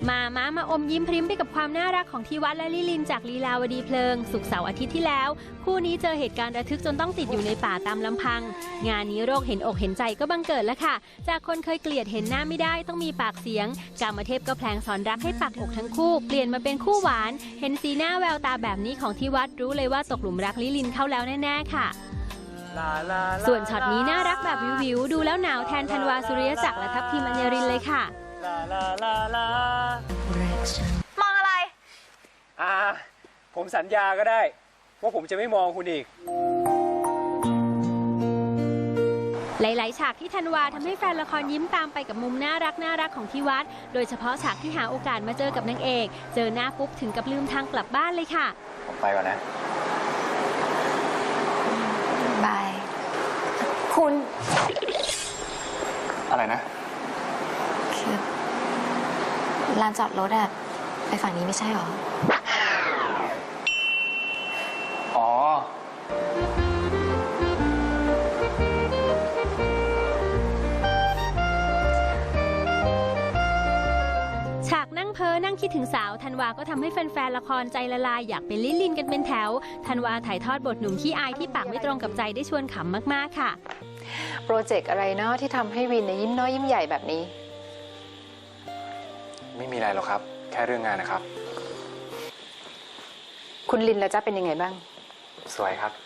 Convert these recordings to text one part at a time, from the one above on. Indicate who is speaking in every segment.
Speaker 1: มาอมยิ้มพริ้มไปกับความน่ารักของทีวัฒน์และลิลินจากลีลาวดีเพลิงศุกร์เสาร์อาทิตย์ที่แล้วคู่นี้เจอเหตุการณ์ระทึกจนต้องติดอยู่ในป่าตามลำพังงานนี้โรคเห็นอกเห็นใจก็บังเกิดแล้วค่ะจากคนเคยเกลียดเห็นหน้าไม่ได้ต้องมีปากเสียงกามเทพก็แพลงสอนรักให้ปักอกทั้งคู่เปลี่ยนมาเป็นคู่หวานเห็นสีหน้าแววตาแบบนี้ของทีวัฒน์รู้เลยว่าตกหลุมรักลิลินเข้าแล้วแน่ๆค่ะส่วนช็อตนี้น่ารักแบบวิวๆดูแล้วหนาวแทนธันวาสุริยจักรและทัพทีมอัญญรินเลยค่ะ
Speaker 2: มองอะไร
Speaker 3: ผมสัญญาก็ได้ว่าผมจะไม่มองคุณอีก
Speaker 1: หลายๆฉากที่ธันวาทำให้แฟนละครยิ้มตามไปกับมุมน่ารักของทีวัฒน์โดยเฉพาะฉากที่หาโอกาสมาเจอกับนางเอกเจอหน้าปุ๊บถึงกับลืมทางกลับบ้านเลยค่ะ
Speaker 3: ผมไปก่อนนะ
Speaker 2: บายคุณ
Speaker 3: อะไรนะ
Speaker 2: คือลานจอดรถอะไปฝั่งนี้ไม่ใช่หรอ
Speaker 3: อ๋อ
Speaker 1: ฉากนั่งเพ้อนั่งคิดถึงสาวธันวาก็ทำให้แฟนๆละครใจละลายอยากเป็นลิลินกันเป็นแถวธันวาถ่ายทอดบทหนุ่มขี้อายที่ปากไม่ตรงกับใจได้ชวนขำมากๆค่ะ
Speaker 4: โปรเจกต์อะไรเนาะที่ทำให้วินยิ้มน้อยยิ้มใหญ่แบบนี้
Speaker 3: ไม่มีอะไรหรอกครับแค่เรื่องงานนะครับ
Speaker 4: คุณลินล่ะจ๊ะเป็นยังไงบ้าง
Speaker 3: สวยครับ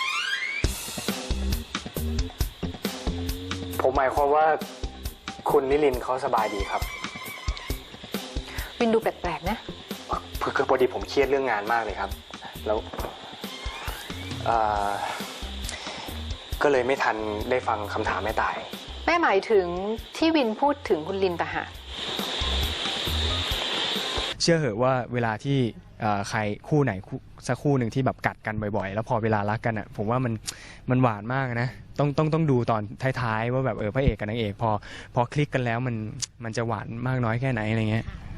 Speaker 3: ผมหมายความว่าคุณลิลินเขาสบายดีครับ
Speaker 4: วินดูแปลกๆนะ
Speaker 3: คือพอดีผมเครียดเรื่องงานมากเลยครับแล้วก็เลยไม่ทันได้ฟังคำถามแม่ตาย
Speaker 4: แม่หมายถึงที่วินพูดถึงคุณลินต่างหาก
Speaker 5: เชื่อเหอะว่าเวลาที่ใครคู่ไหนสักคู่หนึ่งที่แบบกัดกันบ่อยๆแล้วพอเวลารักกันอ่ะผมว่ามันหวานมากนะต้องดูตอนท้ายๆว่าแบบพระเอกกับนางเอกพอคลิกกันแล้วมันจะหวานมากน้อยแค่ไหนอะไรเงี้ย